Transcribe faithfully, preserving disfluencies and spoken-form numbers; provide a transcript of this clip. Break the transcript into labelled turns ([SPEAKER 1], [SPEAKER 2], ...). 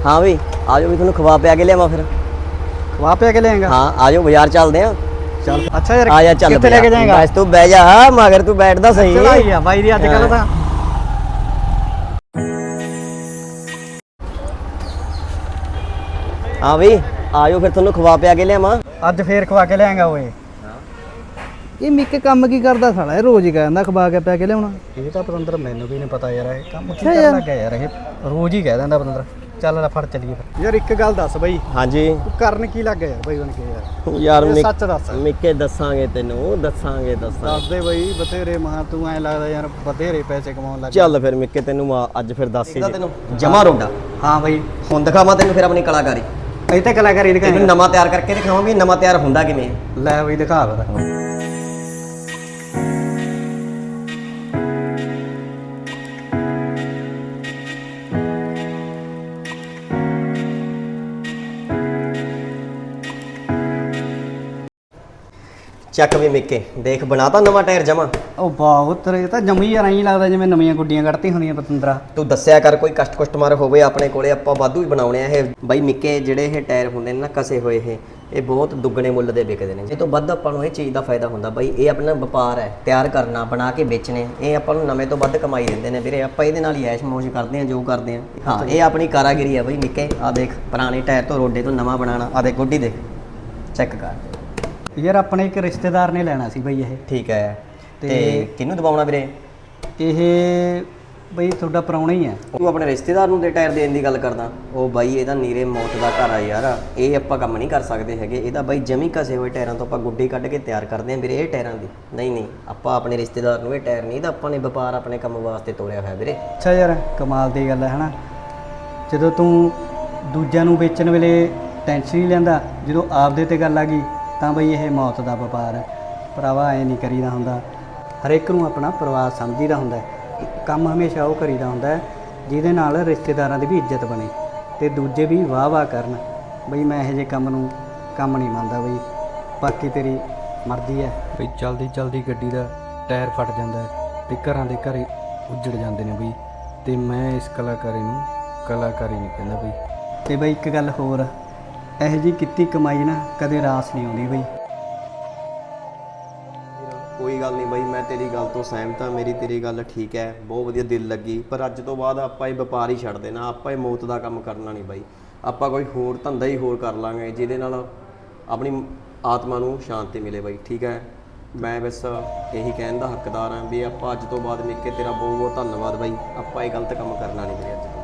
[SPEAKER 1] हाँ भाई आ जाओ भी थोड़ा खवा पिया के लिया फिर
[SPEAKER 2] खवा पिया के लेंगा।
[SPEAKER 1] हाँ आ जाओ बाजार चलते हैं।
[SPEAKER 2] चल अच्छा यार,
[SPEAKER 1] आ जा चल
[SPEAKER 2] कितने लेके जाएगा?
[SPEAKER 1] बस तू बह जा मगर तू बैठदा सही
[SPEAKER 2] चला ही आ भाई दी अजकल दा।
[SPEAKER 1] हाँ भाई आ जाओ फिर थोड़ा खवा पिया के लिया
[SPEAKER 2] ਅੱਜ ਫੇਰ ਖਵਾ ਕੇ ਲਿਆਂਗਾ ਓਏ। ਇਹ ਮਿੱਕੇ ਕੰਮ ਕੀ ਕਰਦਾ ਸਾਲਾ, ਇਹ ਰੋਜ਼ ਹੀ ਕਹਿੰਦਾ ਖਵਾ ਕੇ ਪਿਆ ਕੇ ਲਿਆਉਣਾ। ਇਹ ਤਾਂ ਪਤੰਦਰ ਮੈਨੂੰ ਵੀ ਨਹੀਂ ਪਤਾ ਯਾਰ, ਇਹ ਕੰਮ ਕੀ ਕਰਨ ਲੱਗਾ ਯਾਰ, ਇਹ ਰੋਜ਼ ਹੀ ਕਹਿ ਦਿੰਦਾ ਪਤੰਦਰ। ਚੱਲ ਲੈ ਫੜ ਚੱਲੀਏ ਫਿਰ। ਯਾਰ ਇੱਕ ਗੱਲ ਦੱਸ ਬਈ।
[SPEAKER 1] ਹਾਂਜੀ
[SPEAKER 2] ਤੂੰ ਕਰਨ ਕੀ ਲੱਗਾ ਯਾਰ ਬਈ ਬਣ ਕੇ ਯਾਰ?
[SPEAKER 1] ਯਾਰ
[SPEAKER 2] ਇਹ ਸੱਚ ਦੱਸ।
[SPEAKER 1] ਮਿੱਕੇ ਦੱਸਾਂਗੇ ਤੈਨੂੰ, ਦੱਸਾਂਗੇ ਦੱਸਾਂਗੇ।
[SPEAKER 2] ਦੱਸ ਦੇ ਬਈ, ਬਥੇਰੇ ਮਹਾ ਤੂੰ ਐ ਲੱਗਦਾ ਯਾਰ ਬਥੇਰੇ ਪੈਸੇ ਕਮਾਉਣ ਲੱਗ।
[SPEAKER 1] ਚੱਲ ਫਿਰ ਮਿੱਕੇ ਤੈਨੂੰ ਅੱਜ ਫਿਰ ਦੱਸ ਹੀ ਤੈਨੂੰ ਜਮਾ ਰੋਡਾ।
[SPEAKER 2] ਹਾਂ ਬਈ
[SPEAKER 1] ਹੁਣ ਦਿਖਾਵਾਂ ਤੈਨੂੰ ਫਿਰ ਆਪਣੀ ਕਲਾਕਾਰੀ।
[SPEAKER 2] ਇਹ ਤਾਂ ਕਲਾਕਾਰੀ ਦਿਖਾਈ,
[SPEAKER 1] ਤੈਨੂੰ ਨਵਾਂ ਤਿਆਰ ਕਰਕੇ ਦਿਖਾਵਾਂ ਵੀ ਨਵਾਂ ਤਿਆਰ ਹੁੰਦਾ ਕਿਵੇਂ।
[SPEAKER 2] ਲੈ ਬਈ ਦਿਖਾ ਫਿਰ।
[SPEAKER 1] ਚੱਕ ਵੀ ਮਿੱਕੇ ਦੇਖ ਬਣਾਤਾ ਨਵਾਂ ਟਾਇਰ ਜਮਾ।
[SPEAKER 2] ਉਹ ਬਹੁਤ ਤੇਰੇ ਤਾਂ ਜੰਮੀ ਯਾਰ ਐਂ ਲੱਗਦਾ ਜਿਵੇਂ ਨਵੀਆਂ ਗੁੱਡੀਆਂ ਕੱਢਤੀ ਹੁੰਦੀਆਂ ਪਤੰਦਰਾ।
[SPEAKER 1] ਤੂੰ ਦੱਸਿਆ ਕਰ ਕੋਈ ਕਸਟ ਕਸਟਮਰ ਹੋਵੇ ਆਪਣੇ ਕੋਲੇ, ਆਪਾਂ ਵਾਧੂ ਹੀ ਬਣਾਉਣੇ ਆ ਇਹ ਬਾਈ। ਮਿੱਕੇ ਜਿਹੜੇ ਇਹ ਟਾਇਰ ਹੁੰਦੇ ਨੇ ਨਾ ਕਸੇ ਹੋਏ, ਇਹ ਇਹ ਬਹੁਤ ਦੁੱਗਣੇ ਮੁੱਲ ਦੇ ਵਿਕਦੇ ਨੇ। ਇਹ ਤੋਂ ਵੱਧ ਆਪਾਂ ਨੂੰ ਇਹ ਚੀਜ਼ ਦਾ ਫਾਇਦਾ ਹੁੰਦਾ ਬਾਈ। ਇਹ ਆਪਣਾ ਵਪਾਰ ਹੈ, ਤਿਆਰ ਕਰਨਾ ਬਣਾ ਕੇ ਵੇਚਣੇ। ਇਹ ਆਪਾਂ ਨੂੰ ਨਵੇਂ ਤੋਂ ਵੱਧ ਕਮਾਈ ਦਿੰਦੇ ਨੇ ਵੀਰੇ। ਆਪਾਂ ਇਹਦੇ ਨਾਲ ਹੀ ਐਸ਼ ਮੌਜ ਕਰਦੇ ਹਾਂ ਜੋ ਕਰਦੇ ਹਾਂ। ਹਾਂ ਇਹ ਆਪਣੀ ਕਾਰਾਗਰੀ ਹੈ ਬਾਈ ਮਿੱਕੇ। ਆ ਦੇਖ ਪੁਰਾਣੇ ਟਾਇਰ ਤੋਂ ਰੋਡੇ ਤੋਂ ਨਵਾਂ ਬਣਾਉਣਾ। ਆ ਦੇਖ ਗੁੱਡੀ ਦੇਖ, ਚੈੱਕ ਕਰ
[SPEAKER 2] ਯਾਰ ਆਪਣੇ ਇੱਕ ਰਿਸ਼ਤੇਦਾਰ ਨੇ ਲੈਣਾ ਸੀ ਬਈ ਇਹ।
[SPEAKER 1] ਠੀਕ ਹੈ ਤੇ ਕਿਹਨੂੰ ਦਬਾਉਣਾ ਵੀਰੇ?
[SPEAKER 2] ਇਹ ਬਈ ਤੁਹਾਡਾ ਪ੍ਰਾਹੁਣਾ ਹੀ ਹੈ।
[SPEAKER 1] ਤੂੰ ਆਪਣੇ ਰਿਸ਼ਤੇਦਾਰ ਨੂੰ ਦੇ ਟਾਇਰ ਦੇਣ ਦੀ ਗੱਲ ਕਰਦਾ? ਉਹ ਬਾਈ ਇਹਦਾ ਨੀਰੇ ਮੌਤ ਦਾ ਘਰ ਆ ਯਾਰ। ਇਹ ਆਪਾਂ ਕੰਮ ਨਹੀਂ ਕਰ ਸਕਦੇ ਹੈਗੇ। ਇਹਦਾ ਬਾਈ ਜਮੀ ਕਸੇ ਹੋਏ ਟਾਇਰਾਂ ਤੋਂ ਆਪਾਂ ਗੁੱਡੀ ਕੱਢ ਕੇ ਤਿਆਰ ਕਰਦੇ ਹਾਂ ਵੀਰੇ ਇਹ ਟਾਇਰਾਂ ਦੀ। ਨਹੀਂ ਨਹੀਂ ਆਪਾਂ ਆਪਣੇ ਰਿਸ਼ਤੇਦਾਰ ਨੂੰ ਇਹ ਟਾਇਰ ਨਹੀਂ, ਤਾਂ ਆਪਾਂ ਨੇ ਵਪਾਰ ਆਪਣੇ ਕੰਮ ਵਾਸਤੇ ਤੋਰਿਆ ਹੋਇਆ ਵੀਰੇ।
[SPEAKER 2] ਅੱਛਾ ਯਾਰ ਕਮਾਲ ਦੀ ਗੱਲ ਹੈ ਹਨਾ। ਜਦੋਂ ਤੂੰ ਦੂਜਿਆਂ ਨੂੰ ਵੇਚਣ ਵੇਲੇ ਟੈਨਸ਼ਨ ਨਹੀਂ ਲੈਂਦਾ, ਜਦੋਂ ਆਪਦੇ ਤੇ ਗੱਲ ਆ ਗਈ ਤਾਂ ਬਈ ਇਹ ਮੌਤ ਦਾ ਵਪਾਰ ਹੈ। ਭਰਾਵਾ ਐ ਨਹੀਂ ਕਰੀਦਾ ਹੁੰਦਾ। ਹਰੇਕ ਨੂੰ ਆਪਣਾ ਪਰਿਵਾਰ ਸਮਝੀਦਾ ਹੁੰਦਾ। ਕੰਮ ਹਮੇਸ਼ਾ ਉਹ ਕਰੀਦਾ ਹੁੰਦਾ ਜਿਹਦੇ ਨਾਲ ਰਿਸ਼ਤੇਦਾਰਾਂ ਦੀ ਵੀ ਇੱਜ਼ਤ ਬਣੇ ਤੇ ਦੂਜੇ ਵੀ ਵਾਹ ਵਾਹ ਕਰਨ। ਬਈ ਮੈਂ ਇਹੋ ਜਿਹੇ ਕੰਮ ਨੂੰ ਕੰਮ ਨਹੀਂ ਮੰਨਦਾ ਬਈ। ਬਾਕੀ ਤੇਰੀ ਮਰਜ਼ੀ ਹੈ ਬਈ। ਚਲਦੀ ਚਲਦੀ ਗੱਡੀ ਦਾ ਟਾਇਰ ਫਟ ਜਾਂਦਾ ਤੇ ਘਰਾਂ ਦੇ ਘਰੇ ਉੱਜੜ ਜਾਂਦੇ ਨੇ ਬਈ। ਤੇ ਮੈਂ ਇਸ ਕਲਾਕਾਰੀ ਨੂੰ ਕਲਾਕਾਰੀ ਨਹੀਂ ਕਹਿੰਦਾ ਬਈ। ਤੇ ਬਈ ਇੱਕ ਗੱਲ ਹੋਰ, ਇਹੋ ਜਿਹੀ ਕੀਤੀ ਕਮਾਈ ਨਾ ਕਦੇ ਰਾਸ ਨਹੀਂ ਆਉਂਦੀ ਬਈ।
[SPEAKER 1] ਕੋਈ ਗੱਲ ਨਹੀਂ ਬਾਈ, ਮੈਂ ਤੇਰੀ ਗੱਲ ਤੋਂ ਸਹਿਮਤ ਹਾਂ। ਮੇਰੀ ਤੇਰੀ ਗੱਲ ਠੀਕ ਹੈ, ਬਹੁਤ ਵਧੀਆ ਦਿਲ ਲੱਗੀ। ਪਰ ਅੱਜ ਤੋਂ ਬਾਅਦ ਆਪਾਂ ਇਹ ਵਪਾਰ ਹੀ ਛੱਡ ਦੇਣਾ। ਆਪਾਂ ਇਹ ਮੌਤ ਦਾ ਕੰਮ ਕਰਨਾ ਨਹੀਂ ਬਾਈ। ਆਪਾਂ ਕੋਈ ਹੋਰ ਧੰਦਾ ਹੀ ਹੋਰ ਕਰ ਲਾਂਗੇ ਜਿਹਦੇ ਨਾਲ ਆਪਣੀ ਆਤਮਾ ਨੂੰ ਸ਼ਾਂਤੀ ਮਿਲੇ ਬਾਈ। ਠੀਕ ਹੈ, ਮੈਂ ਬਸ ਇਹੀ ਕਹਿਣ ਦਾ ਹੱਕਦਾਰ ਹਾਂ ਵੀ ਆਪਾਂ ਅੱਜ ਤੋਂ ਬਾਅਦ ਮਿੱਕੇ ਤੇਰਾ ਬਹੁਤ ਬਹੁਤ ਧੰਨਵਾਦ ਬਾਈ। ਆਪਾਂ ਇਹ ਗਲਤ ਕੰਮ ਕਰਨਾ ਨਹੀਂ ਵੀਰੇ ਅੱਜ।